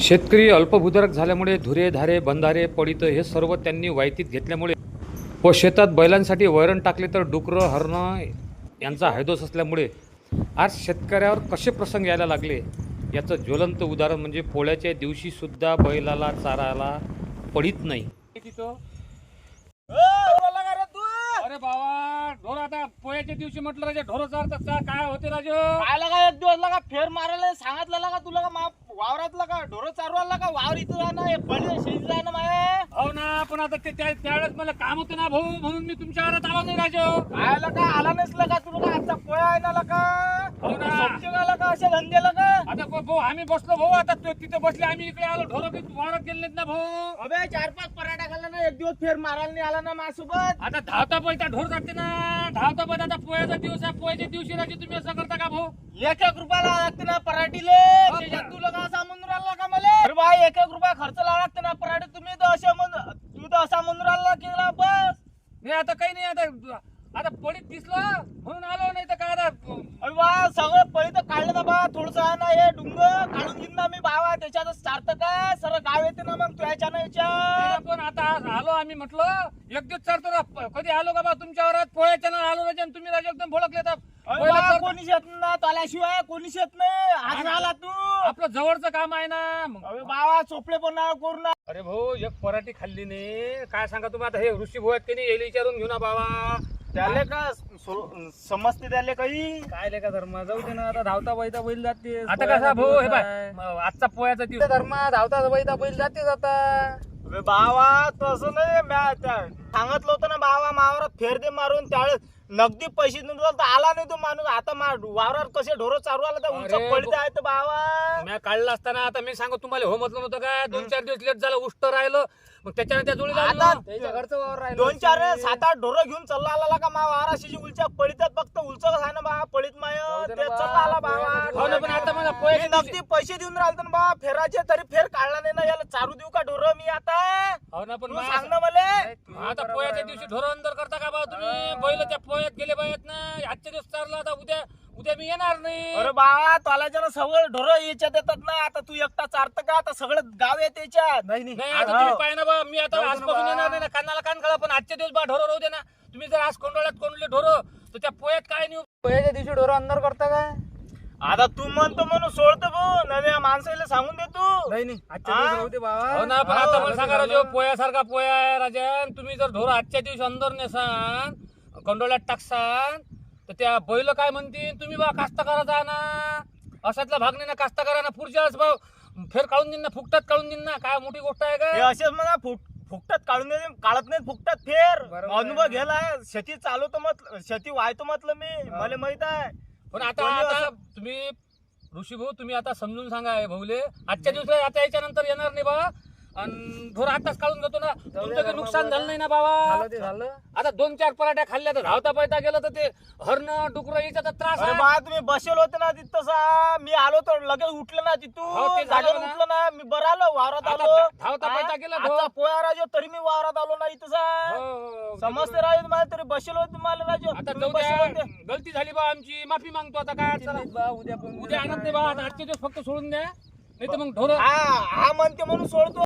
शेतकरी अल्पभूधारक झाल्यामुळे धुरे धारे बंधारे पडित हे सर्व त्यांनी वायतीत घेतल्यामुळे व शेतात बैलांसाठी वैरण टाकले तर डुकरं हरणं यांचा हैदोस असल्यामुळे आज शेतकऱ्यावर कसे प्रसंग यायला लागले याचं ज्वलंत उदाहरण म्हणजे पोळ्याच्या दिवशीसुद्धा बैलाला चारायला पडित नाही. अरे बाबा ढोर आता पोळ्याच्या दिवशी म्हटलं राजे ढोर चारतात काय होते राजे काय लागा एक दिवस लागा फेर मारायला सांगितलं लागा तुला का वावरातला का ढोर चारवायला का वावर इथं राहणं हे पडले शेती राहणं माय. हो ना पण आता ते त्यावेळेस मला काम होतं ना भाऊ म्हणून मी तुमच्या घरात आलो नाही राजे. काय लागा आला नसला का तुला का आता पोळ्या आहे ना लागा हो ना समजेला का अशा धंद्याला का आता भाऊ आम्ही बसलो भाऊ आता तिथे बसले आम्ही इकडे आलो ढोर वावरात गेले नाहीत ना भाऊ. अबे 4-5 पराठा खाल्ला ना एक दिवस फेर मारायला नाही आला ना माझ्यासोबत. आता धावता पैसा ढोर जाते ना धावता पैसा आता पोळ्याचा दिवस आहे पोळ्याच्या दिवशी राजे तुम्ही असं करता का भाऊ. 1 रुपयाला लागते ना पराठीले त्याच्यात तुला का सामान राहिला का मला. अरे भाई 1 रुपया खर्च लावा लागते ना पराठी तुम्ही तर असे तू तर असा म्हणून राहिला की बस. नाही आता काही नाही आता पडीत दिसलं म्हणून आलो नाही तर काय आता. अरे वा सगळं पळी तर काढलं ना बा थोडस आहे ना हे डुंगर काढून घेईन ना मी बाबा त्याच्यातच सार्थक काय सर गाव येते ना मग तुझ्या याच्या. पण आता आलो आम्ही म्हटलं एक दिवस चालतो ना कधी आलो का बा तुमच्या वरात पोळ्याच्या ना आलो राजा तुम्ही राजा एकदम भोळकले तर कोणीच येत ना त्याशिवाय कोणीच येत नाही आज राहिला तू. आपलं जवळचं काम आहे ना मग. अरे बाबा चोपडे पण ना करू ना. अरे भाऊ एक पराठी खाल्ली नाही काय सांगा तुम्ही आता हे ऋषी भाऊ आहेत की नाही येईल विचारून घेऊ ना बाबा. त्याले का समजते त्याले काही काय लेका धर्म जाऊ दे ना आता धावता बैता बैल जाते. आता कसा भाऊ हे बाय आजचा पोळ्याचा दिवस धर्म धावता बैता बैल जातेच आता. अबे बाबा तसं नाही सांगितलं होतं ना बाबा मावरात फेर दे मारून त्यावेळेस नगदी पैसे देऊन तर आला नाही तो माणूस. आता वावरात कसे ढोरं चालू आला तर उंच अरे पडते आहे तर बाबा. मी काढला असताना आता मी सांगू तुम्हाला हो म्हटलं नव्हतं काय 2-4 दिवस लेट झालं उष्ट राहिलं मग त्याच्याने त्या जोडीला आता त्याच्या घरचं वावर राहिलं. 2-4 7-8 ढोरं घेऊन चालला आला का मा वाराशी उलच्या पळीतात फक्त उलच आहे ना बा पळीत माय ते चालला आला हो ना पण बाबा. आता मला मी पोळ्याच्या दिवशी- नगदी पैसे देऊन राहिलो ना बा फेराचे तरी फेर काढला नाही ना याला चारू देऊ का ढोरं मी आता हो ना पण तू मा- सांग ना मला. आता पोळ्याच्या दिवशी ढोर अंदर करता का बा तुम्ही बैल त्या पोळ्यात गेले पाहिजेत ना आजच्या दिवस चालला आता उद्या मी येणार नाही. अरे बाबा तोलाच्या ना सगळं ढोरं याच्यात येतात ना आता तू एकटा चारत का आता सगळं गाव येते याच्यात. नाही आता तुम्ही पाहिजे ना बा मी आता जाऊ दे ना आजपासून बा. येणार नाही ना कानाला कान घाला पण आजच्या दिवस बा ढोर राहू दे ना तुम्ही जर आज कोंडोळ्यात कोंडले ढोर तर त्या पोळ्यात काय नाही. पहिल्या दिवशी ढोरं अंदर करता काय. आता तू म्हणतो म्हणून सोडतो भाऊ नव्या माणसाला सांगून दे तू. नाही आजच्या हा? दिवस राहू दे बाबा. हो ना पण आता मला सांगा झालं. राजू पोळ्यासारखा पोळ्या आहे राजन तुम्ही जर ढोर आजच्या दिवशी अंदर नेसान कोंडोळ्यात टाकसान तर त्या बैल काय म्हणतील तुम्ही बा कास्तकाराचा ना असातला भाग नाही ना कास्तकारांना पुढच्या भाव फेर काढून देईन ना फुकटात काढून देईन ना काय मोठी गोष्ट आहे हे का. असेच म्हणा फुकटात काढून दे काढत नाही फुकटात फेर बरोबर अनुभव आहे. गेलाय शेती चालवतो म्हटलं शेती वाहतो म्हटलं मी मला माहित आहे. पण आता कोणी आता असं- तुम्ही ऋषी भाऊ तुम्ही आता समजून सांगा हे भाऊले आजच्या दिवसात आता याच्या नंतर येणार नाही बा आणि ढोर आताच काढून घेतो ना तुमचं काही नुकसान झालं नाही ना बाबा. झालं ते झालं. आता 2-4 पराठ्या खाल्ल्या तर धावता पैता गेलं तर ते हरणं डुकरं याचा तर त्रास अरे आहे. बा तुम्ही बसेल होते ना तिथं तसा मी आलो तर लगेच उठलं ना हो, तिथून ते झालं जागेवर ना. उठलं ना मी बरं आलो वावरात आता आलो. धावता हा? पैता गेला आता ढोर. पोया राजो तरी मी वावरात आलो ना इथं हो, समजते राजू मला तरी बसेल होते मला राजू आता तुम्ही जाऊ बसेल द्या होते. गलती झाली बा आमची माफी मागतो आता काय अडचण नाही. बा उद्या पण उद्या आणत नाही बा आता आजचे दिवस फक्त सोडून द्या नाही तर मग ढोर हा म्हणते म्हणून सोडतो.